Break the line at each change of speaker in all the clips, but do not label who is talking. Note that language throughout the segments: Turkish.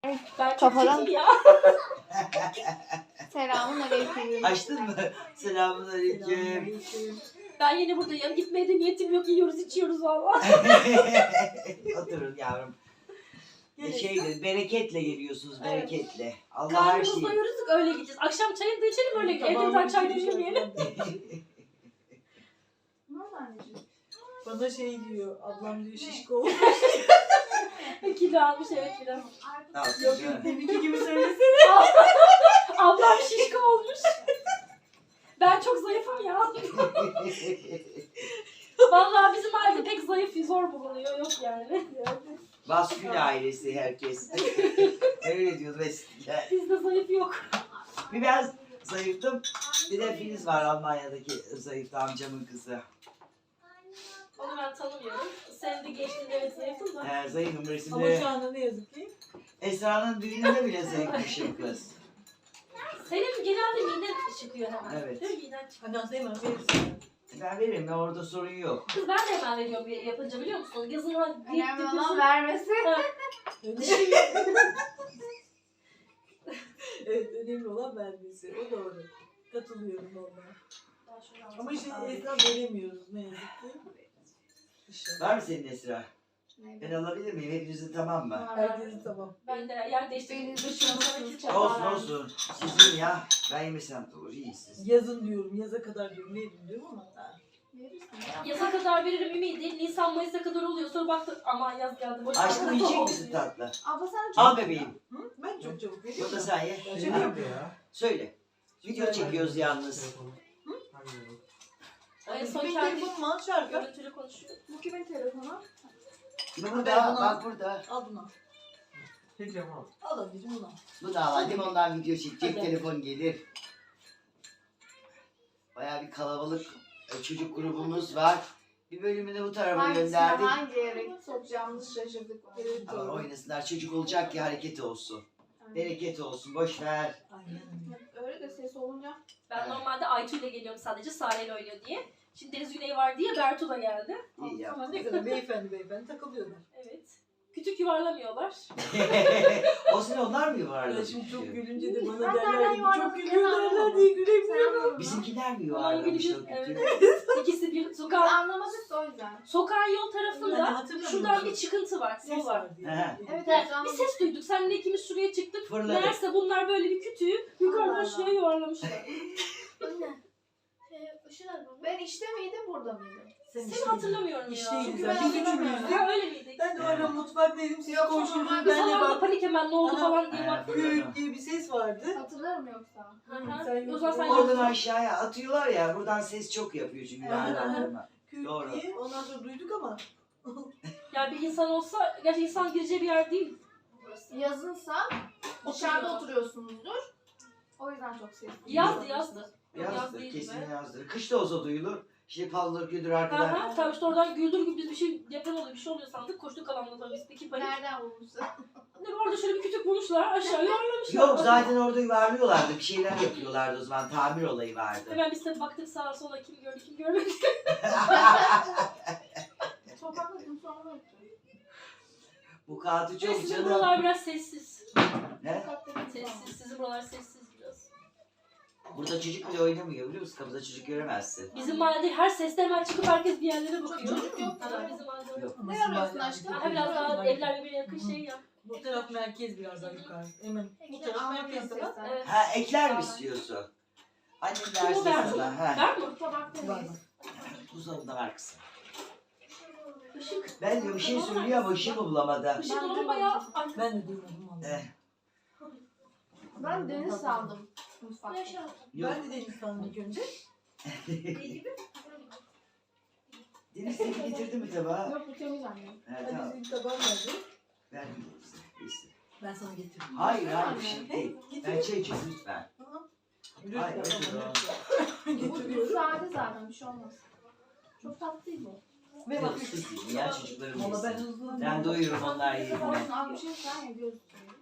Ben
Kafadan-
çok ya.
Selamun aleyküm.
Açtın mı? Selamünaleyküm.
Ben yine buradayım. Gitmeye de niyetim yok. Yiyoruz içiyoruz valla.
Oturun yavrum. Bereketle geliyorsunuz,
Evet.
bereketle. Allah her
Karnımızı
şeyi.
doyururuz öyle gideceğiz. Akşam çayını da içelim öyle gidelim. Evden çay demlemeyelim.
Ne oldu anneciğim?
Bana şey diyor, ablam diyor şişko olmuş.
Kilo almış evet biraz.
Yok yok, deminki gibi söylesene.
Ablam şişko olmuş. Ben çok zayıfım ya. Vallahi bizim ailede pek zayıf zor bulunuyor. Yok yani.
Baskül ailesi herkes. Öyle diyordu eskiler.
Bizde zayıf yok.
Bir ben zayıftım. Bir de Filiz var Almanya'daki zayıf amcamın kızı.
Onu ben tanımıyorum. Sen de geçtiğinde evet zayıftın da.
Zayıfım
Ama
resimde.
şu anda ne yazık ki.
Esra'nın düğününde bile zayıfmışım kız.
Senin genelde miden çıkıyor hemen.
Evet.
Değil mi? Miden çıkıyor.
Annem hemen verirsin.
Ben veririm ya, orada sorun yok.
Kız ben de hemen veriyorum yapınca biliyor musun? Yazına
Önemli olan vermesi.
Evet, önemli olan vermesi. O doğru. Katılıyorum ona. Ama işte Esra veremiyoruz ne yazık ki. İnşallah.
Var mı senin Esra? Ben alabilir miyim? Hepinizin tamam mı?
Herkesin tamam.
Ben de yer değiştirdim.
Benim
Dışına
dışına
Olsun olsun. Sizin ya. Ben yemesem de olur. İyi siz.
Yazın diyorum, yaza kadar diyorum. Ne diyorum ama.
Yaza kadar veririm ümidi. Nisan Mayıs'a kadar oluyor. Sonra baktık aman yaz geldi. Boş
Aşkım
ver.
yiyecek misin tatlı?
Abla sen
Al bebeğim.
Hı? Ben çok çabuk
Bu
veriyorum.
da sen ye.
Ben seviyorum ya.
Söyle. Video çekiyoruz yalnız.
En son
Benim
kendi
telefonum al şarkı.
görüntülü konuşuyor.
bu kimin telefonu?
Burada, bak burada.
Al bunu. Al anneciğim bunu al.
Bu da var. Limondan video çekecek.
Hadi.
Telefon gelir. Bayağı bir kalabalık çocuk grubumuz var. Bir bölümünü bu tarafa
Hangisine
gönderdik.
hangi yere sokacağımızı şaşırdık.
Evet,
Ama
doğru.
oynasınlar. Çocuk olacak ki hareket olsun. Bereket olsun. Boş ver.
Aynen.
Öyle de ses olunca.
Ben
Evet.
normalde Aytu ile geliyorum sadece. Sare ile oynuyor diye. Şimdi Deniz Güney var diye Bertu da geldi.
İyi yap.
Ama ne kadar beyefendi takılıyorlar.
Evet. Kütük yuvarlamıyorlar.
O sene onlar mı
Ya
yuvarladı?
şimdi çok gülünce de
Ben
bana
nereden
derler ki çok
yuvarladım,
gülüyor
ben
derler
anlamadım.
diye
Sen
gülemiyorum.
anladın mı?
Bizimkiler mi
Onlar
yuvarlamış o
gülüyor.
kötü?
Evet. İkisi bir
Biz
sokak.
anlamadık da o yüzden.
Sokağın yol
Yani
tarafında
hatırlamıyor
şuradan
musun?
bir çıkıntı var.
Ses
Yol var.
var diye.
He.
Evet,
Evet,
evet,
bir ses duyduk. Seninle ikimiz şuraya çıktık.
Fırladı.
Meğerse bunlar böyle bir kütüğü yukarıdan
Allah
şuraya yuvarlamışlar.
Anne. Ben işte miydim burada mıydım?
Seni hatırlamıyorum ya.
İşteyiz
Çünkü
ya.
ben
Biz üçümüz
hatırlamıyorum.
Ya öyle miydik?
Ben de orada mutfaktaydım. Siz
Yok,
koşturdunuz.
normal
Biz
Ben de
falan da
bak.
panik hemen ne oldu
Ana-
falan diye
He.
baktık.
Gürültü diye bir ses vardı.
Hatırlarım yoksa.
Hı hı.
Sen
O zaman sen
yoksun.
Oradan
yoksun.
aşağıya atıyorlar ya. Buradan ses çok yapıyor çünkü.
Aha.
Yuvarlandırma.
Kürt
Doğru.
diye. Ondan sonra duyduk ama.
Ya bir insan olsa, gerçi insan gireceği bir yer değil burası.
Yazınsa dışarıda oturuyorsunuzdur. O yüzden çok ses.
Yazdı. Yaz
Yazdır.
değil
Kesin
be.
yazdır. Kış da olsa duyulur. İşte paldır güldür arkadan.
Aha, tabii işte oradan güldür gibi biz bir şey deprem oluyor, bir şey oluyor sandık. Koştuk alanla tabii biz iki panik.
Nereden bulmuşsun?
Ne orada şöyle bir kütük bulmuşlar, aşağı yuvarlamışlar.
Yok zaten orada yuvarlıyorlardı. Bir şeyler yapıyorlardı o zaman. Tamir olayı vardı.
Hemen biz de baktık sağa sola kim gördü kim görmedi.
Sokakta gün sonra öptüm.
Bu kağıtı çok
Sizin
canım.
buralar biraz sessiz.
Ne?
Sokakta gün sonra.
Sessiz, sizin buralar sessiz biraz.
Burada çocuk bile oynamıyor biliyor musun? Kapıda çocuk göremezsin.
Bizim mahallede her seste hemen çıkıp herkes bir yerlere bakıyor.
Çocuk yok
Ha,
da.
bizim mahallede.
Yok.
Ama
Ne
siz
arıyorsun
hala-
aşkım?
Ha, biraz daha evler birbirine yakın şey ya.
Bu taraf merkez biraz daha yukarı. Hemen bu taraf
Anlamıyorum
merkez daha.
sesler.
Evet.
Ha ekler mi istiyorsun? Annem
Kim o
derse
Bertu?
sana. Ha.
Var mı?
Var
Sokaktayız.
mı?
Buzdolabında var kızım.
Işık.
Ben de bir şey söylüyor ama ışığı mı bulamadı?
Işık dolabı bayağı...
Ben de duymadım vallahi.
Eh,
Ben deniz sandım mutfakta.
yok.
Ben de deniz sandım ilk önce.
Deniz seni getirdi mi tabağa?
Yok bu temiz anne.
Evet
Hadi
tamam.
senin tabağın nerede?
Ben neyse.
Ben sana getirdim.
Hayır hayır bir şey değil.
Getir.
Ben çay içiyorum lütfen. Hayır,
Lütfen
öyle
ama
Bu
getiriyorum.
sade zaten bir şey olmaz. Çok tatlı değil bu.
Ve
Yok
bak.
siz yiyin ya çocuklarım
Valla ben
yesin.
hızlı.
Ben doyururum onlar yediğinde.
Olsun az bir şey sen yapıyorsun.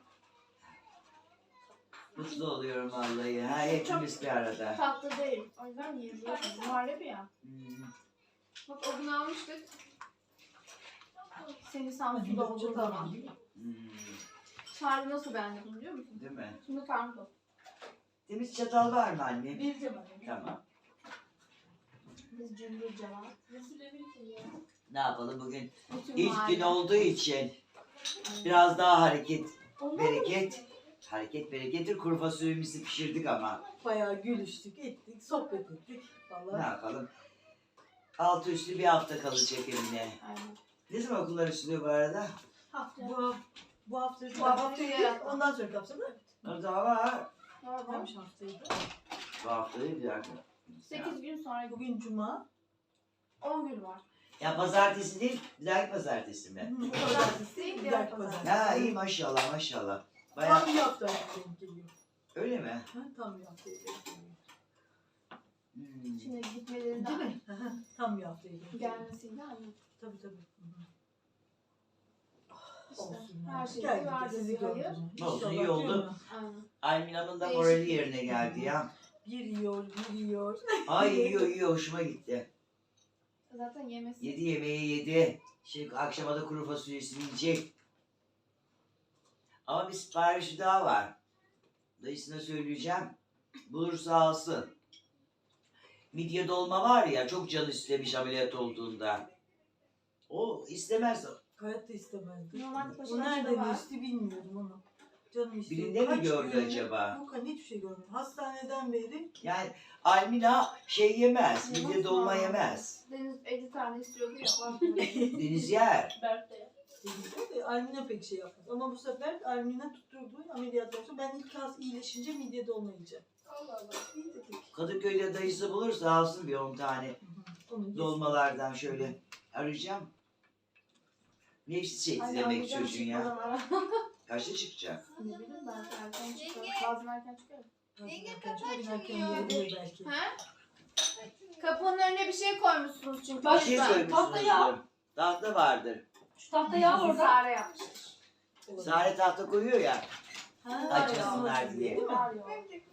Mutlu oluyorum vallahi. Ha hepimiz bir arada.
Tatlı değil. O yüzden yiyebiliyorsun. Muhallebi ya.
Hmm.
Bak o gün almıştık. Seni Samsun'da olduğu zaman.
Hmm.
Tarhı nasıl beğendim biliyor musun?
Değil mi?
Şimdi tarhı da.
Temiz çatal var mı anne?
Vereceğim anne.
Tamam.
Biz cümbür cevap.
Ne yapalım bugün?
Bütün
İlk
mahalle.
gün olduğu için biraz daha hareket, bereket. Hareket berekettir. Kuru fasulyemizi pişirdik ama
Bayağı gülüştük, ettik, sohbet ettik.
ne
Vallahi.
yapalım? Altı üstü bir hafta kalacak Emine.
Aynen.
Ne zaman okullar açılıyor bu arada?
Haftaya.
Bu hafta
Bu hafta
değil, ondan sonra kapsam da
O da var.
varmış haftaydı.
Bu hafta değil bir dakika.
8 gün sonra
Bugün cuma.
10 gün var.
Ya pazartesi değil, bir dahaki pazartesi mi?
Pazartesi, bir dahaki pazartesi.
Ha iyi maşallah maşallah. Bayağı
Tam bir hafta denk geliyor.
öyle mi?
Ha, tam bir hafta denk geliyor.
Hmm.
Şimdi gitmelerinde
Değil mi? Hı hı, tam bir hafta denk geliyor.
gelmesiyle aynı.
Tabii tabii. Hı hı.
İşte
Olsun
her
ya.
şeyi
Geldik de
verdik,
sizi
hayır.
gördüm.
Olsun, iyi
İnşallah,
oldu.
değil mi?
Aynen.
Almin Hanım da
Değişik.
morali yerine geldi ya.
Bir yiyor, bir yiyor.
Ay yiyor yiyor hoşuma gitti.
Zaten yemesi.
Yedi yemeği yedi. Şimdi akşama da kuru fasulyesini yiyecek. Ama bir siparişi daha var. Dayısına söyleyeceğim. Bulursa alsın. Midye dolma var ya çok can istemiş ameliyat olduğunda. O istemez.
Hayatta istemezdi.
Normalde
O
paşalarda
nereden
var.
içti bilmiyorum onu. Canım istiyor.
Birinde mi
Kaç
gördü
gün-
acaba?
Yok hani hiçbir şey görmedim. Hastaneden beri
Yani Almina şey yemez. Midye
Yemez
dolma
mi?
yemez.
Deniz 50 tane istiyordu ya. bakmıyor.
Deniz yer.
Berk de.
denizde Almina pek şey yapmaz. Ama bu sefer Almina tutturdu ameliyattan sonra ben ilk az iyileşince midye dolma yiyeceğim.
Allah Allah.
İyi dedik.
Kadıköy'de dayısı bulursa alsın bir 10 tane
Hı hı. Onu yesin.
dolmalardan şöyle arayacağım. Nefsi çekti
Anne,
demek
anlayacağım
çocuğun ya.
çıkmadan ara.
Kaçta çıkacak?
Ne bileyim ben erken çıkıyor. Bazen erken çıkıyor.
Belki.
He? Kapının önüne bir şey koymuşsunuz çünkü.
Bak,
Bir şey
lütfen.
koymuşsunuz.
tahta ya.
Tahta vardır.
Şu tahta yağ orada.
Sare yapmış.
Sare tahta koyuyor ya.
Ha,
Açmasınlar
ya,
diye.
Değil mi?
Var ya.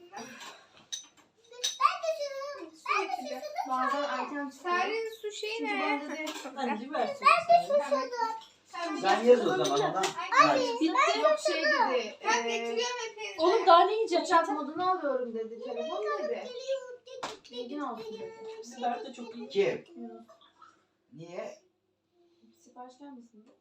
Bazen erken çıkıyor.
Sare'nin su şeyi
Çünkü
ne?
ben dedi.
Anneciğim versin.
Sen yaz o zaman ona. Hadi.
Bitti.
Yok şey dedi.
Ben getiriyorum hepinizi.
Oğlum daha ne yiyeceksin?
Uçak modunu alıyorum dedi. Telefon dedi. Bilgin olsun dedi.
Berk de çok iyi.
Kim?
Yunus,
Niye?
sipariş gelmesin de.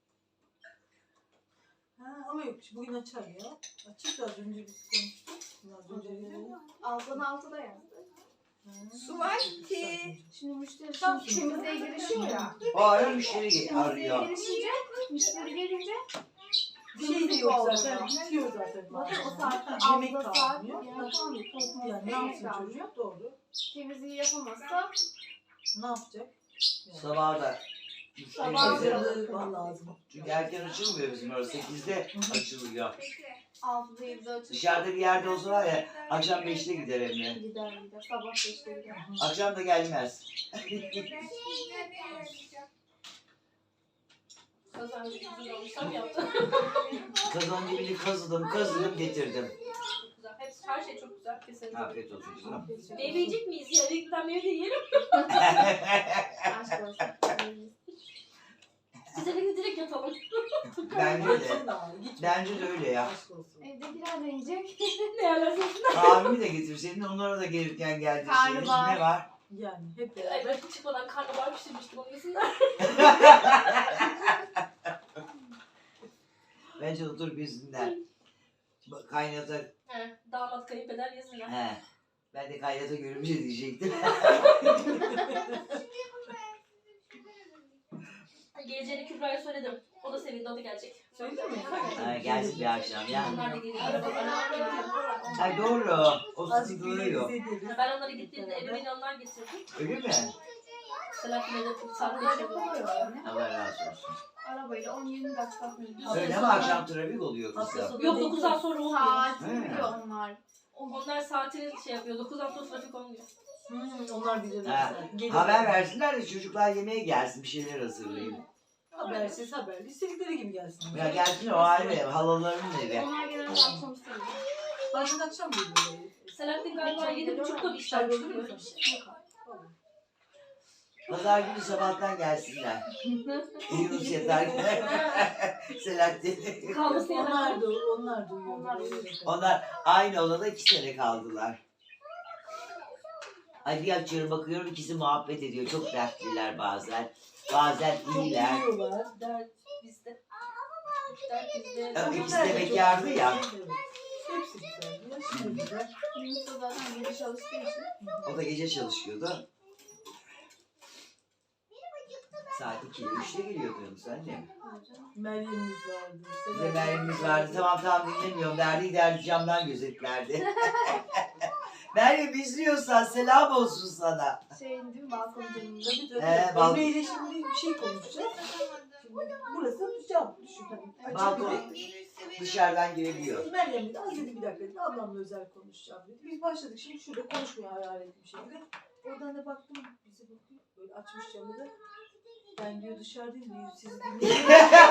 Ha, ama yok bugün açar ya. Açık da az önce biz konuştuk. Az önce
Alttan altıda yazdı.
Su var ki.
Şimdi müşteri şimdi temizliğe girişiyor ya.
O ara müşteri
Temizliğe
arıyor.
girişince, müşteri gelince
bir şey de yok zaten. Bitiyor zaten.
zaten o saatte
Yemek
altıda saat
kalmıyor.
yemek kalmıyor. Tost
Yani ne
yemek
yapsın
kalmıyor.
çocuk? Doğru.
Temizliği yapamazsa
Ne yapacak? Yani.
Sabah da
Sabah
müşteri
da-
gelir.
Hazırlığı lazım.
Çünkü erken açılmıyor bizim orası. 8'de açılıyor.
6'da 7'de açılır.
Dışarıda bir yerde olsa var ya akşam 5'te gider Emre.
Gider. Sabah 5'te gider.
Akşam da gelmez.
Kazan güzel olmuş. Sen mi yaptın?
Kazan dibini kazıdım getirdim.
Çok güzel. Hepsi, her şey çok güzel. Kesinlikle.
Afiyet olsun kızım.
Meyve yiyecek miyiz ya? Eve giden meyve de yiyelim.
Aşk olsun.
Biz eve direkt yatalım.
Bence de.
Gitsin de abi, gitme.
Bence de öyle ya.
Aşk olsun.
Evdekiler de yiyecek.
Ne yerlerse.
Abimi de getirseydin onlara da gelirken geldirseydin.
Karnabahar.
Ne var?
Yani hep beraber.
Evet, çıkmadan karnabahar pişirmiştim onu yesinler.
Bence otur bizimler. Kaynata.
He, damat kayınpeder yesinler.
He. Ben de kaynata görümce diyecektim.
Geleceğini Kübra'ya söyledim. O da sevindi, o da gelecek.
Söyledin mi?
Ha, gelsin bir akşam ya.
Onlar da geliyor. Arabalarına geliyor.
Ha doğru. O
Az
sizi
bir
duruyor.
bize deriz.
Ben onları gittiğimde eve beni onlar getirdi.
Öyle mi?
Selahattin Bey'de saat
Arabayla
geçiyordu.
koyuyor yani.
Allah razı olsun.
Arabayla 10-20 dakika.
Öyle mi akşam trafik oluyor
Hafta
kızım?
sonu
Yok,
denk
9'dan sonra olmuyor.
Saatini
He.
biliyor onlar.
Onlar saatini şey yapıyor. 9'dan sonra trafik olmuyor.
Onlar bilir.
Ha,
zaten. Gelir.
haber versinler de çocuklar yemeğe gelsin bir şeyler hazırlayayım.
Habersiz haberli. İstedikleri gibi gelsin.
Ya gelsin o ayrı halalarının evi.
Onlar genelde akşam istiyor.
Bazen akşam geliyorlar.
Selahattin galiba 7.30'da bir işler
Çay
çıkıyor.
oluyor mu?
Pazar günü sabahtan gelsinler. Yunus yeter. Selahattin.
Kalması
Onlar
yarar.
da onlar da uyuyor.
Onlar da uyuyor.
Onlar aynı odada 2 sene kaldılar. Ay bir açıyorum bakıyorum ikisi muhabbet ediyor. Çok dertliler bazen. Bazen
Çok
iyiler.
uyuyorlar.
Dert bizde. Dert bizde.
Evet. İkisi de bekardı ya.
Evet. Hepsi güzel. Yaşı da güzel.
Yunus da zaten gece çalıştığı için.
O da gece çalışıyordu. Saat 2'de 3'te geliyordu Yunus anne.
Meryem'imiz vardı.
Bize Meryem'imiz vardı. Tamam dinlemiyorum derdi camdan gözetlerdi. Meryem izliyorsan selam olsun sana.
Şeyin değil mi balkon camında.
Tabii tabii.
Balkon-
Emre ile şimdi bir şey konuşacağız. Şimdi burası cam. Düşün hani.
Balkon.
Açık bir de.
Dışarıdan girebiliyor.
Meryem dedi az dedi bir dakika dedi. Ablamla özel konuşacağım dedi. Biz başladık şimdi şurada konuşmaya hararetli bir şekilde. Oradan da baktım bize bakıyor. Böyle açmış camı da. Ben diyor dışarıdayım diyor sizi dinliyorum.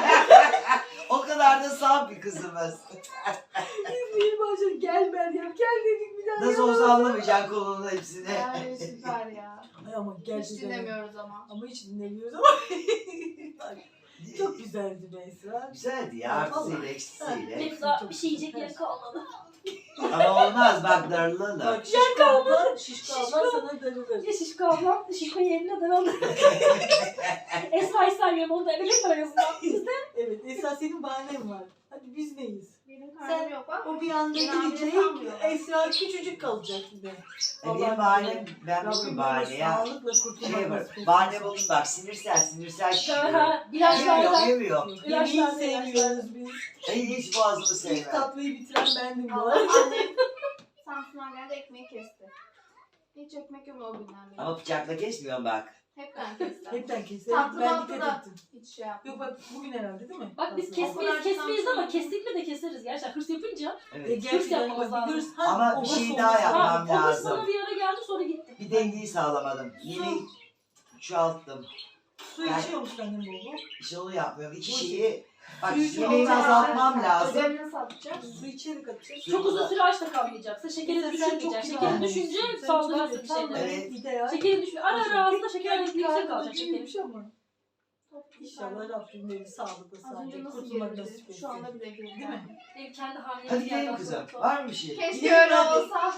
O kadar da saf bir kızımız.
İzleyin başladı. Gel Meryem gel dedik bir daha.
Nasıl olsa anlamayacaksın konunun hepsini.
Yani süper ya.
Ay ama
Hiç
gerçekten.
dinlemiyoruz ama.
Ama hiç dinlemiyoruz ama. Çok güzeldi Beyza.
Güzeldi ya artısıyla eksisiyle.
Hep daha bir şey yiyecek yer kalmadı.
Ama olmaz bak darılırlar.
Bak şişko abla sana darılır.
Ya Şişko ablam, Şişko yerine daraldı. Esra'yı saymıyorum, onu da ebelik var arasında. Bizde
Evet esas senin bahanen var. Hadi biz neyiz?
Benim karnım yok bak.
O bir anda
Genelde
gidecek.
sanmıyorum.
Esra küçücük kalacak yine.
Benim bahanem, ben
Rabbim
buldum
böyle
bahane ya.
sağlıkla kurtulmak
Şey var,
nasip etsin.
bahane buldum bak sinirsel şişiyor.
daha
Yemiyor,
ilaçlardan
yemiyor.
Yemeği sevmiyoruz biz.
Hiç boğazımı
İlk
sevmem.
tatlıyı bitiren bendim bu
Allah
arada.
annem Samsun'a geldi ekmeği kesti. Hiç ekmek yok o günden beri.
Ama bıçakla kesmiyorum bak.
Hep ben kestim.
Hepten keserim.
Tatlı
Ben
tatlı
dikkat
da.
ettim.
Hiç şey yapmadım.
Yok bak bugün herhalde değil mi?
Bak biz
Aslında.
kesmeyiz ama kestikle de keseriz gerçekten. Hırs yapınca.
Evet.
Gerçekten
yapmamız
bak,
lazım.
hırs-
Ama
o
bir
hırs
şey
olmaz.
daha yapmam
Ha, o hırs
lazım.
bana bir ara geldi sonra gitti.
Bir dengeyi sağlamadım. Yemeği çoğalttım.
Su içiyor musun annem bol bol?
İşte onu yapmıyorum. İki şeyi bak
Suyu çok
yemeğimi
az
azaltmam lazım.
Ödevini satacağız.
Su içerek atacağız.
Çok uzun süre açta kalmayacaksın. Şekerin
Mesela sen
düşürmeyeceksin.
çok
Şekerin
kilo
düşünce
almışsın. Sen
saldırırsın
çok-
bir
tam
şeylere.
böyle
Evet.
ideal.
Şekerin düşmüyor. Ara ağzında şeker
Pek
yüksek
karnı
kalacak şekerin.
acıymış ama. İnşallah Rabbim beni sağlıkla
Az önce
sağlıkla
nasıl
kurtulmak nasip
gerildi?
etsin.
Şu anda bile gerildi.
Değil mi?
Benim kendi hamileliğim.
Hadi gidelim kızım. Var mı bir şey?
Keşke öyle olsa.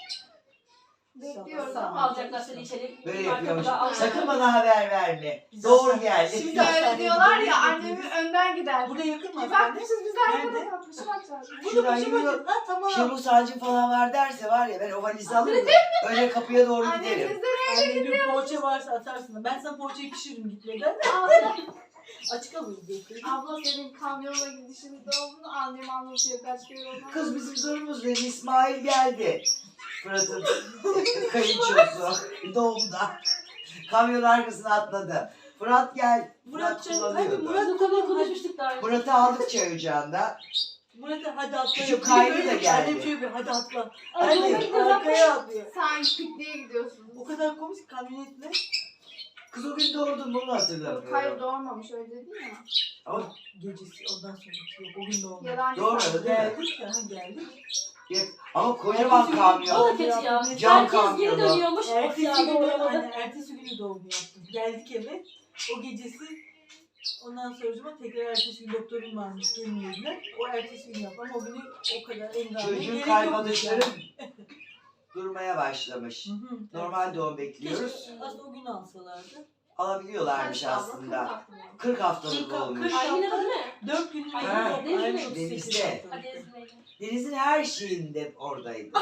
Bekliyoruz
İnşallah.
ama.
Alacaklar seni içeri.
Böyle
Marka
yapıyormuş.
da al-
Sakın bana haber verme.
Biz
Doğru
zaten-
geldi.
Şimdi
Şimdi öyle
hastaneye
diyorlar ya
gidiyoruz.
annemin önden gider.
Burada yakın mı?
Bir
hastane?
bakmışız biz arkada
Nerede?
kalmışız. Bakacağız.
Burada
Şuradan
bir şey
yürüyor.
var. Ha tamam.
Şenol sancım falan var derse var ya ben o valizi alırım. Öyle kapıya doğru giderim.
Annemiz de
Anne diyor poğaça varsa atarsın. Ben sana poğaçayı pişiririm gitmeden.
abla,
Açık alırız diyor.
abla senin kamyonla gidişinde olduğunu annem anlatıyor kaç kere olmaz.
Kız bizim zorumuz değil. İsmail geldi. Fırat'ın kayınçosu doğumda. Kamyon arkasına atladı. Fırat gel. Murat
Muratcan hadi
kullanıyordu.
Murat
Bu konuyu konuşmuştuk daha önce.
Murat'ı aldık çay ocağında.
Murat'a hadi atla.
Küçük kaynı da geldi.
Annem şöyle bir hadi atla.
Ay,
Hadi
doğru gidiyoruz.
arkaya atlıyor.
Sanki pikniğe gidiyorsunuz.
O kadar komik ki kamyonetle.
Kız o gün doğurdum bunu
Hayır
hatırlamıyorum.
doğurmamış öyle dedin ya.
Ama
Gecesi ondan sonraki yok. O gün de olmadı.
Yalancı
Doğru,
sanki.
değil mi?
Geldik ya geldik.
ama kocaman kamyon.
O da kötü ya.
Cam
Herkes geri
kamyonu.
dönüyormuş. Of ya
Ertesi günü,
doğramadı.
hani, ertesi günü doğum yaptım. Geldik eve. O gecesi ondan sonra tekrar ertesi gün doktorum varmış gelmediler. O ertesi gün yapmam. O günü o kadar engelli.
Çocuğun kalbadışları durmaya başlamış.
Hı.
Normal doğum bekliyoruz.
Keşke aslında o gün alsalardı.
Alabiliyorlarmış
Kaç abla,
aslında.
40 aklım yok.
40 haftalık
Kırk-
olmuş.
kırk-
Aylin adı ne?
4 gün
Ay,
Ha,
Denizli.
Denizli.
Hadi Ezgi'yle.
Deniz'in her şeyinde oradaydı.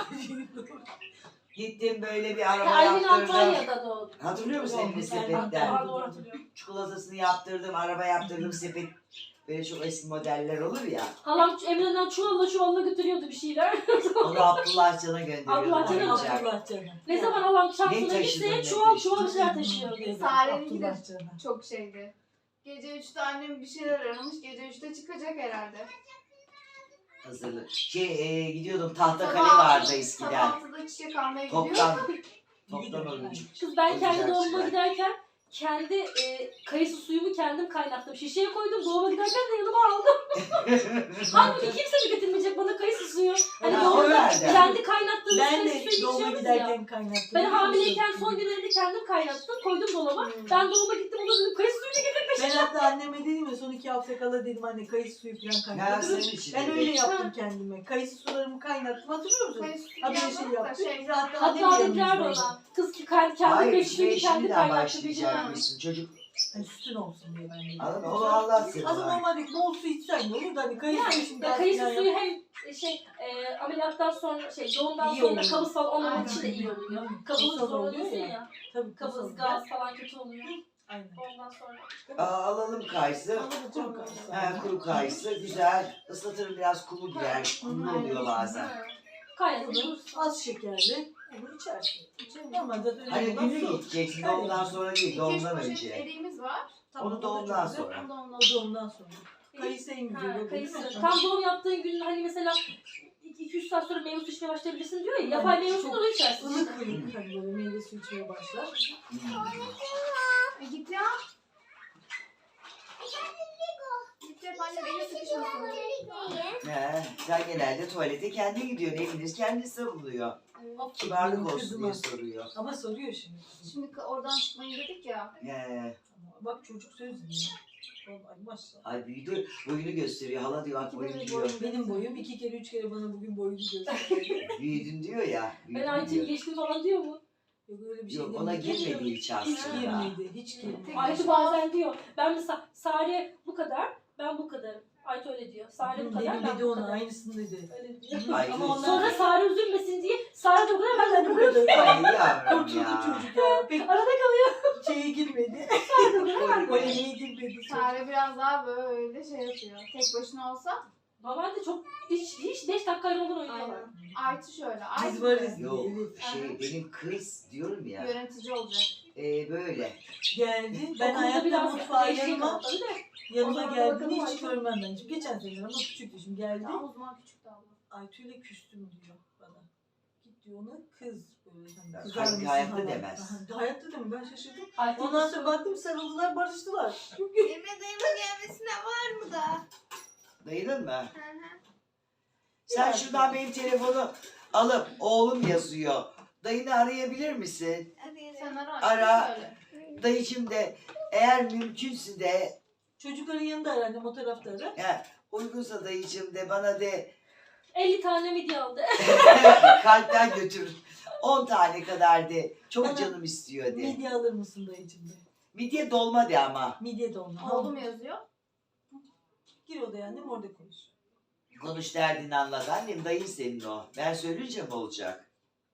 Gittim böyle bir araba
Aylin
yaptırdım.
Antalya'da doğdu.
Hatırlıyor musun Emre
Doğru,
sepetten?
Aa, doğru hatırlıyorum.
Çikolatasını yaptırdım, araba yaptırdım, sepet. Böyle çok eski modeller olur ya.
Halam Emre'den çuvalla götürüyordu bir şeyler.
Onu Abdullah Can'a gönderiyordum
Abdullah Can'a
oyuncak.
Allah canım.
Ne zaman halam
Ne
Samsun'a
taşıdın,
gitse
ne
çuval
taşıdın?
şeyler taşıyordu.
Sare'ninki de
Abdullah canım.
çok şeydi. Gece 3'te annem bir şeyler aramış. Gece 3'te çıkacak herhalde.
Hazırlık. Gidiyordum Tahtakale
Sabah-
vardı eskiden.
Sabah 6'da çiçek almaya gidiyor.
Toptan oyuncak.
Kız ben kendi
Oyuncak
doğumuma
şeyler.
giderken kendi kayısı suyumu kendim kaynattım. Şişeye koydum. Doğuma giderken de yanıma aldım. Halbuki kimse mi getirmeyecek bana kayısı suyu? Hani
Ha, o
doğumda
nerede?
kendi kaynattığımız
Ben de
kayısı
Doğuma
geçiyoruz ya.
giderken kaynattım.
Ben hamileyken son günlerinde kendim kaynattım. Koydum dolaba. Ben doğuma gittim. Ona dedim kayısı suyunu getir.
Ben hatta anneme dedim ya son 2 hafta kala dedim anne kayısı suyu falan
Ya
kaynattım.
senin için
Ben
de.
öyle yaptım kendime. Kayısı sularımı kaynattım. Hatırlıyor musun?
Hani
Ha böyle şey yaptım. Hatta annem
Hatta
de
dediler
yanımızdaydı.
bana. Kız ki kendi
Hayır
kayısı suyunu
işte
kendi
şimdiden
kaynattı.
başlayacakmışsın. Çocuk
Hani sütün olsun diye ben de.
anladın mı? Onu anlatsın.
Aslında normalde bol su içsen ne olur da hani kayısı suyu
Yani
şimdi
ya kayısı
falan
suyu hem ameliyattan sonra doğumdan
İyi
sonra
oluyor.
kabız falan olmamak
Aynen.
için de iyi oluyor.
Hı.
Kabız
Kutsal
zorlanıyorsun
oluyor
ya.
Tabii
Kabız,
kutsal.
gaz falan kötü oluyor.
Aynen.
Ondan sonra.
Alalım kayısı.
Kuru kayısı.
Kuru kayısı güzel. Islatırım biraz kulu gider. Kuru oluyor bazen.
Kaynatıp
Az şekerli. Onu içersin. Normal zaten öyle
Hani
olan
günü
su.
gideceksin doğumdan sonra değil doğumdan
2-3
önce.
eriğimiz var.
Tamam,
Onu
o da
doğumdan
çok güzel.
sonra.
Onu da ondan
O doğumdan sonra. Kayısı en güzel oluyor değil
kayısı.
mi?
Tam doğum yaptığın gün hani mesela 2-3 saat sonra meyve suyu içmeye başlayabilirsin diyor ya. Yapay meyve suyu onu içersin.
Ilık ılık hani böyle meyve suyu içmeye başlar.
Git ya. Git ya anne beni sıkışmasın.
Sen genelde tuvalete kendi gidiyorsun. Eviniz kendisi buluyor. Kibarlık olsun diye soruyor.
Ama soruyor şimdi.
Şimdi oradan çıkmayın dedik ya.
Bak çocuk söz dinliyor. Ay maşallah.
Ay büyüdü. Boyunu gösteriyor. Hala diyor bak boyun diyor.
Benim boyum 2 kere 3 kere bana bugün boyunu gösterdi.
Büyüdün diyor ya.
Ben
Büyüdün
Ayça'yı
diyor.
geçtim falan diyor mu?
Yok öyle bir şey
Yok
değil.
ona girmedi hiç
Hiç
aslında.
girmedi. Hiç girmedi.
Ayça bazen diyor. Ben mesela Sare bu kadar, ben bu kadarım. Ayça öyle diyor. Sare bu kadar,
Dedim
ben
dedi
bu
ona
kadar.
aynısını dedi.
Öyle diyor.
Ay,
Ama onlar
Sonra Sare üzülmesin diye Sare de bu kadar, ben de bu kadar.
Ay yavrum
kurtuldu
ya.
çocuk ya. Pek
Arada kalıyor.
şeye girmedi.
Boynu
Polemiğe girmedi.
Sare biraz daha böyle şey yapıyor. Tek başına olsa.
Normalde çok hiç 5 dakika ayrılmadan oynuyorlar.
Aynen. Ayçı şöyle.
Biz
Ayçı
varız
Yok
diye. Evet.
benim kız diyorum ya.
yönetici olacak.
Böyle.
Geldi. Ben
Okulda
hayatta
biraz
mutfağa
eşeği
yanıma,
kapalı da. O
yanıma
zaman
geldiğinde
bakalım
hiç
Ayça.
görmem ben. Şimdi geçen sene ama küçüktü şimdi geldi.
Daha o zaman küçüktü abla.
Aytü'yle küstüm diyor bana. Git diyor ona kız böyle. Hani
Halbuki
kızar mısın
hayatta
falan.
demez.
Aha, hayatta demem ben şaşırdım.
Ayça
Ondan sonra baktım sarıldılar barıştılar.
Dayıma gelmesine var mı da?
Dayının mı?
Hı hı.
Sen şuradan benim telefonu alıp oğlum yazıyor. Dayını arayabilir misin?
Sen ara.
Ara.
Söyle.
Dayıcım de eğer mümkünse de
Çocukların yanında herhalde o tarafta ara.
uygunsa dayıcım de bana de
50 tane midye aldı.
kalpten götür. 10 tane kadar de. Çok
Bana
canım istiyor de.
Midye alır mısın dayıcım de.
Midye dolma de ama.
Midye de olma.
Oldu mu yazıyor?
Gir odaya annem orada konuş.
Konuş derdini anlat. Annem dayın senin o. Ben söyleyince mi olacak?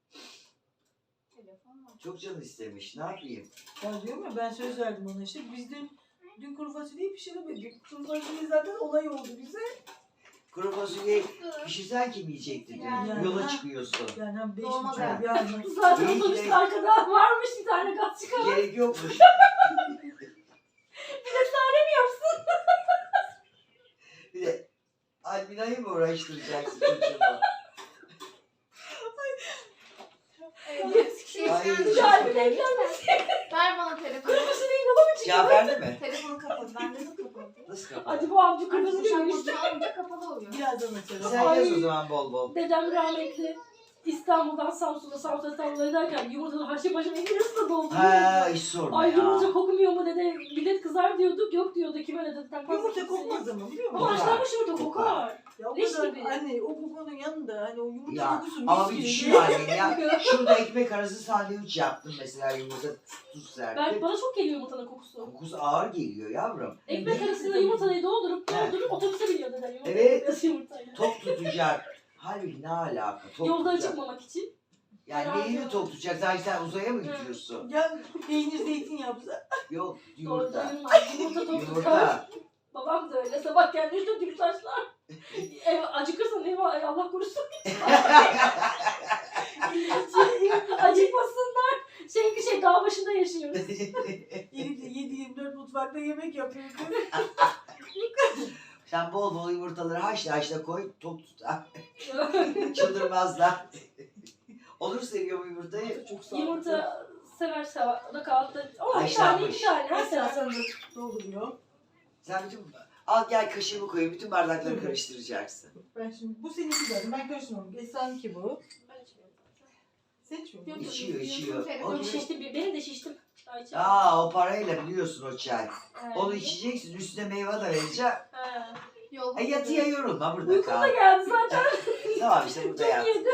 Telefon var.
Çok canı istemiş. Ne yapayım?
Ya diyorum ya ben söz verdim ona işte. Biz dün kuru fasulyeyi pişiremedik. Kuru fasulye zaten olay oldu bize.
Kuru fasulye pişirsen kim yiyecekti dün?
Yani.
Yola çıkıyorsun.
Yani hem 5
Dolma
buçuk
da.
yardım.
Zaten
İyi ki
otobüste
de-
arkada varmış bir tane gaz çıkan.
Gerek yokmuş. Bir de Almina'yı mı uğraştıracaksın çocuğuma? Ay,
Kalbine eklenmez.
Ver bana telefonu.
Kırmızı yola mı çıkıyor?
cevap verdi mi?
Telefonu kapat. Ben dedim kapat.
Nasıl kapat?
Hadi bu amca
Artık
kırmızı değil mi?
boşanmasını alınca kapalı oluyor.
Birazdan açarım.
Sen
Ay.
yaz o zaman bol bol.
Dedem rahmetli İstanbul'dan Samsun'a ederken yumurtaları haşa başa ekliyorsa doldu.
Ha hiç sorma
Ay
ya.
yumurta kokmuyor mu dede? Millet kızar diyorduk. Yok diyordu. Kime ne dedi?
Yumurta kokmaz ama biliyor
Ama
musun?
haşlanmış yumurta kokar.
Ya o
Leş
kadar
gibi.
anne o kokunun yanında hani o yumurta
Ya
kokusu
ama
mis
bir
gibi.
düşün annem ya. Şurada ekmek arası sandviç yaptım mesela yumurta tuz serptim.
Bana çok geliyor yumurtanın kokusu.
Kokusu ağır geliyor yavrum.
Ekmek
Evet.
arasında yumurtayı doldurup
Evet.
otobüse biniyor dedem. Yumurta
Evet.
yapıyorsun yumurtayla.
Tok tutacak. Halbuki ne alaka? Tok
Yolda
tutacak.
acıkmamak için.
Yani neyini tok tutacak? Sanki sen uzaya mı gidiyorsun?
Ya peynir zeytin yapsa.
Yok
Yumurta.
yumurta.
Yumurta tok tutar.
Yumurta.
Babam da öyle. Sabah geldiğinde gibi taşlar. Acıkırsan eyvah Allah korusun. Acıkmasınlar. Dağ başında yaşıyoruz.
Elif de 7-24 mutfakta yemek yapıyor.
Sen bol bol yumurtaları haşla koy, tok tutar. Çıldırmazlar. Onur seviyor bu yumurtayı.
Çok sağ ol.
Yumurta sever. O da kahvaltıda. Ama bir tane
Haşlanmış.
iki tane. Her
Mesela
sefer.
sen de dolduruyor.
Sen bütün... Al gel kaşığımı koyayım, bütün bardakları karıştıracaksın.
Ben şimdi bu seninki zaten ben karıştırmam. Esra'nınki bu. seçmiyor.
Yok,
İçiyor,
Yok,
içiyor.
telefon
O,
Şiştim. Benim de şiştim. Çay içerim.
o parayla biliyorsun o çay.
Evet.
Onu içeceksin, üstüne meyve de vereceğim.
He.
Yol
Yatıya yorulma, burada
Uykum da
kal.
geldi zaten.
Tamam işte burada yat.
Yedi.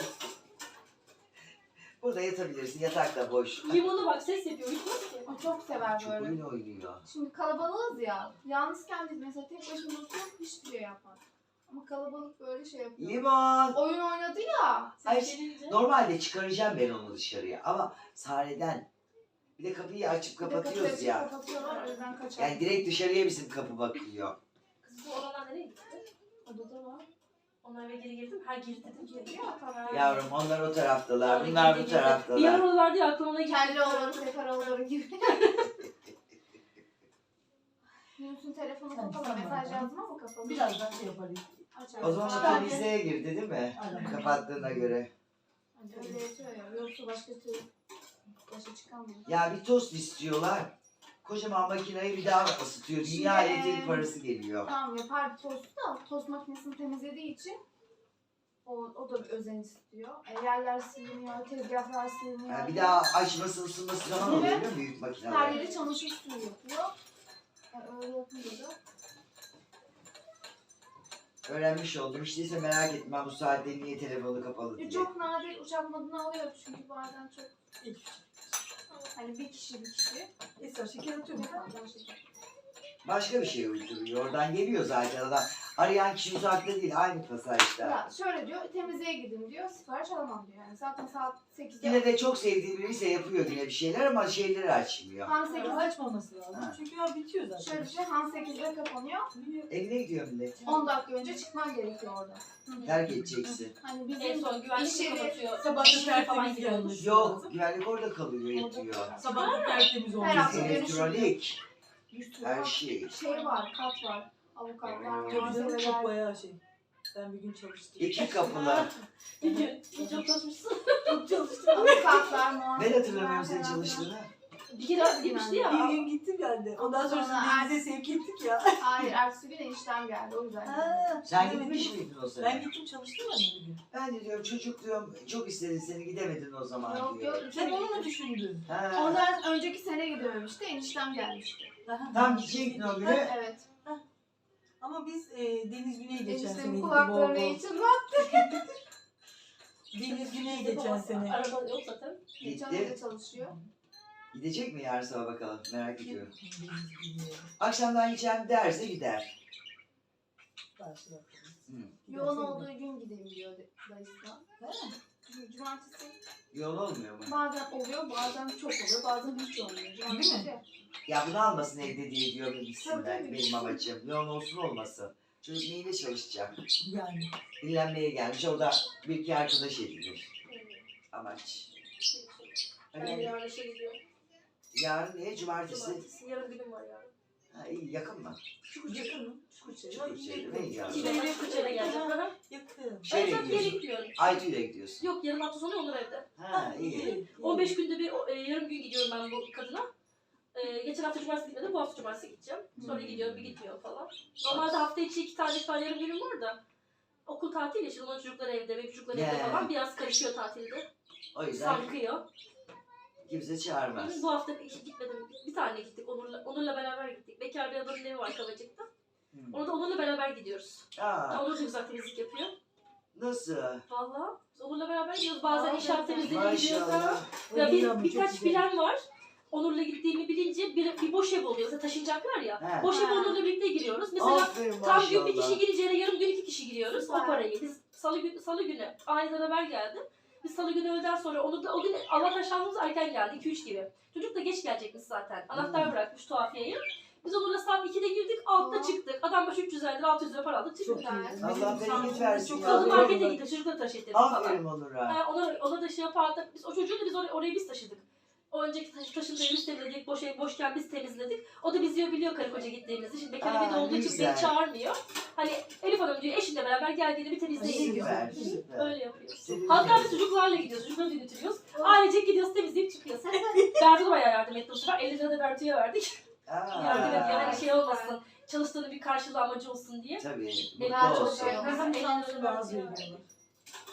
Burada yatabilirsin, yatak da boş.
Limonu bak ses yapıyor. Uyutmaz ki.
O çok sever
Çok
böyle.
oyun oynuyor.
Şimdi kalabalığız ya. Yalnızken biz mesela tek başımıza oturup hiçbir şey yapmaz. Ama kalabalık böyle şey yapıyor.
Limon.
Oyun oynadı ya.
Ay,
Ses gelince.
normalde çıkaracağım ben onu dışarıya ama Sare'den bir de kapıyı açıp
Bir de
kapatıyoruz
kapıyı
ya.
açıp kapatıyorlar, o yüzden kaçar.
Yani direkt dışarıya bizim kapı bakıyor.
Kızım olanlar nereye gitti? Odada var. Onlar eve geri girdim. Her girdi dedim ki.
Ya, tamam.
Yavrum onlar o taraftalar,
Sonra
bunlar
girdi,
bu
girdi. Bir
taraftalar.
yer oralardı ya aklıma ona gitti.
Kelli oğlanı, sefer oğlanı gibi. Yunus'un telefonu
Tamam,
kapalı.
tamam.
Mesaj yazdım ama kapalı.
Birazdan şey yaparız.
Açar.
O zaman o
Çıkar.
temizliğe girdi değil mi?
Aynen.
Kapattığına göre.
Öyle yapıyor ya. Yoksa başka türlü başa çıkamıyor.
Ya bir tost istiyorlar. Kocaman makineyi bir daha ısıtıyor. Dünya
Şimdi,
elektrik parası geliyor.
Tamam yapar tostu da tost makinesini temizlediği için o da bir özen istiyor. Yerler siliniyor, tezgahlar siliniyor.
Yani bir daha açması ısınması zaman oluyor değil mi büyük
Her
makineler?
yeri çamaşır suyu yapıyor. Öyle yapınca da
Öğrenmiş oldum. İşte ise merak etme ben bu saatte niye telefonu kapalı diye.
çok nadir uçak moduna alıyor çünkü bazen çok hani bir kişi.
Esra şeker atıyor mu?
Bazen şeker.
Başka bir şey uyduruyor. Oradan geliyor zaten adam. Arayan kişi uzakta değil. Aynı pasajda.
Ya şöyle diyor, temizliğe gidin diyor, sipariş alamam diyor. Yani zaten saat 8'de.
Yine de çok sevdiği biriyse yapıyor yine bir şeyler ama şeyleri açmıyor.
Han
Ama
8'de
açmaması lazım.
Ha.
Çünkü ya bitiyor zaten.
şöyle bir şey, Han 8'de kapanıyor.
Evine gidiyor millet.
10 dakika önce çıkman gerekiyor orada.
Terk edeceksin.
Hani
En
bizim
son güvenlik
İş yeri-
kapatıyor.
Sabah da
İşleri falan
tertemiz
gidiyor.
gelmesi
Yok,
lazım.
güvenlik orada kalıyor, yatıyor.
Sabah da tertemiz
Her
olması
hafta
lazım.
Elektronik,
bir sürü
her şey.
şey var, kat var. Avukatlar,
Tabii canım çok
muhasebeler.
bayağı şey. Ben bir gün çalıştım.
İki kapılı.
Bir gün. Çok çalışmışsın.
Çok çalıştım.
Avukatlar,
Ben
muhasebeler.
hatırlamıyorum senin çalıştığını.
Bir kere gitmişti ya.
Bir gün gittim ben de. Ondan sonra
Sonra
denize sevk ettik ya.
Hayır, ertesi gün eniştem geldi o yüzden.
Ha,
Sen
evet.
gitmiş miydin o
Ben
sene?
gittim çalıştım ben de bir gün.
Ben de diyorum çocuk diyorum çok istedin seni gidemedin o zaman
Yok
diyor.
yok.
Sen onu mu düşündün?
Ha.
Ondan önceki sene gidememişti, eniştem gelmişti.
Aha.
Tam gidecektin o günü.
Evet.
Ama biz Deniz Güney geçen sene
Eniştemin
gittik.
kulaklarını
Bol bol.
için
Deniz Güney geçen sene.
Araba yok zaten.
geçen
Gitti.
de çalışıyor.
Gidecek mi yarın sabah bakalım merak ediyorum.
Deniz Güney.
Akşamdan gideceğim derse gider.
Karşı bakalım.
Hı.
Yoğun olduğu gün gideyim diyor dayısına. Cumartesi
Yoğun olmuyor mu?
bazen oluyor, bazen çok oluyor, bazen hiç olmuyor. Cumartesi.
Ya bunu almasın evde diye diyorum gitsin ben
Tabii.
benim amacım. Yoğun olsun olmasın. Çocuk neyle çalışacak?
Yani.
Dinlenmeye gelmiş orada bir iki arkadaş edinir. Amaç.
Ben
Hani
yarın işe gidiyorum.
yarın niye? Cumartesi.
Cumartesi. Yarın günüm var yarın.
Ha, iyi yakın mı?
Yakın mı? Çukurçayı.
Çukurçayı, ne ya?
İki gün Kırkçay'a geleceğim. Hı hı.
Yakın.
Şeyle
Ben yere
gidiyorsun.
gidiyorum.
Aytu'yla gidiyorsun.
Yok yarın hafta sonu olur evde.
Ha iyi.
15 günde bir yarım gün gidiyorum ben bu kadına. Geçen hafta cumartesi gitmedim, bu hafta cumartesi gideceğim. Sonra gidiyorum, bir gitmiyor falan. Normalde hafta içi 2 tane, 3 tane yarım günüm var da. Okul tatil ya, şimdi onun çocukları evde, benim çocuklar evde
Yeah.
falan. Biraz karışıyor tatilde.
O yüzden
Sarkıyor.
kimse çağırmaz.
Bu hafta hiç gitmedim. Bir tane gittik, Onur'la beraber gittik. Bekar bir adamın evi var Kavacık'ta.
Hmm.
Onu da Onur'la beraber gidiyoruz.
Aa,
Onur da güzel temizlik yapıyor.
nasıl?
Valla. Biz Onur'la beraber gidiyoruz. Bazen
Aa,
inşaat temizliğine gidiyoruz.
Maşallah.
Ya
İyi ama çok
birkaç
güzel.
plan var. Onur'la gittiğimi bilince bir boş ev oluyor. Mesela taşınacaklar ya.
He.
Boş ev
Ha.
Onur'la birlikte giriyoruz. Mesela
Aferin
tam gün bir
maşallah.
kişi gireceğine yarım gün 2 kişi giriyoruz.
Süper.
O parayı. Biz salı günü aniden haber geldi. Biz salı günü öğleden sonra o gün Allah taşlandığımız erken geldi. 2-3 gibi. Çocuk da geç gelecekmiş zaten. Anahtar bırakmış tuhafiyeyi. Biz Onur'la saat 2'de girdik, altta
Aa.
çıktık. Adam başı 300 lira, 600 lira para aldık.
Çok
Çıktık.
iyi.
Allah
Bizim
bereket
Samsun'da
versin
çok
ya.
Kadın
fazla
markete
var.
gitti, çocukları taşıttı falan.
Aferin Onur'a.
Ona da şey yapardık. Biz o çocuğu da biz orayı biz taşıdık. O önceki taşındığı evi biz temizledik. Boş ev boşken biz temizledik. O da biz biliyor karı koca gittiğimizi. Şimdi bekar evinde
Aa,
olduğu için
güzel.
beni çağırmıyor. Hani Elif Hanım diyor eşinle beraber geldiğini bir temizleyin diyor.
Süper, süper.
Öyle yapıyoruz.
Sevindim.
Hatta biz çocuklarla gidiyoruz. Çocukları da götürüyoruz. Ailecek gidiyoruz, temizleyip çıkıyoruz. Bertu da bayağı yardım etti bu sefer. 50 lira da Bertu'ya verdik. Yardım ediyor. Hani şey olmasın. Çalıştığının bir karşılığı amacı olsun diye.
Tabii,
Ben
mutlu
çok
olsun.
seviyorum.
Bizim
Elli lira
Samsun'da az
Bertu'ya
veriyorlar.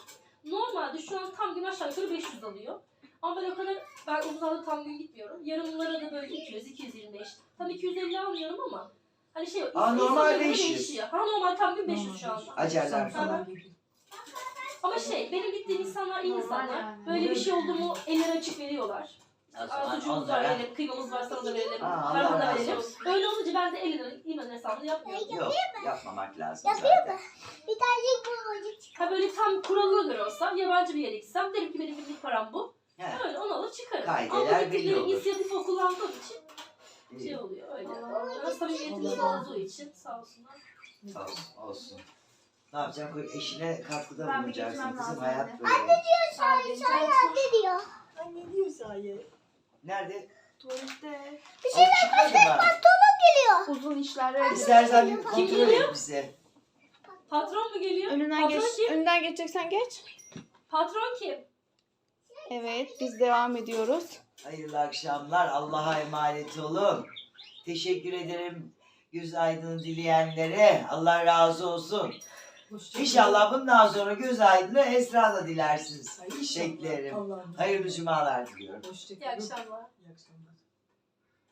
Normalde şu an tam gün aşağı yukarı 500 alıyor. Ama ben o kadar, ben uzun zamandır tam gün gitmiyorum. Yarımlara da böyle 200, 225. Tam 250 almıyorum ama hani şey,
normal
insana göre
500.
değişiyor. Ha normal tam gün 500 şu anda.
Acerler
falan gibi.
Ama şey, benim gittiğim insanlar iyi
Normal
insanlar.
yani.
Böyle bir şey oldu mu elleri açık veriyorlar.
O zaman
Sucuğumuz var
onlara-
verelim, kıymamız var sana da verelim,
Aa,
paramı
Allah
da
razı
verelim.
olsun.
Öyle olunca ben de 50 lira iman hesabını yapmıyorum.
Yok, yapmamak lazım zaten.
Bir tane bu
Ha böyle tam kuralına göre olsa, yabancı bir yere gitsem derim ki benim günlük param bu.
He,
Öyle onu alır çıkarım.
Kaideler
Ama
belli
gittikleri
olur.
inisiyatif o kullandığım için
iyi.
şey oluyor öyle.
Allah
Biraz samimiyetimiz
Allah
olduğu için sağ olsunlar.
Olsun, olsun. Ne yapacaksın? Eşine katkıda
Ben bir
bulunacaksın
gitmem
kızım.
lazım
Hayat
anne.
böyle.
Sadece
ne diyor?
Ay ne diyor sahi?
Nerede?
tuvalette
Çıkmadı mı?
uzun işler
İstersen bir kontrol
geliyor?
et bize.
Patron mu geliyor?
Önünden
Patron
geç.
kim?
Önünden geçeceksen geç.
Patron kim?
Evet, biz devam ediyoruz.
Hayırlı akşamlar. Allah'a emanet olun. Teşekkür ederim göz aydını dileyenlere. Allah razı olsun.
Hoşçakalın.
İnşallah bundan sonra göz aydını Esra da dilersiniz.
Ay, inşallah.
Beklerim.
Allah'ım.
Hayırlı cumalar diliyorum.
Hoşçakalın.
İyi akşamlar.
İyi akşamlar.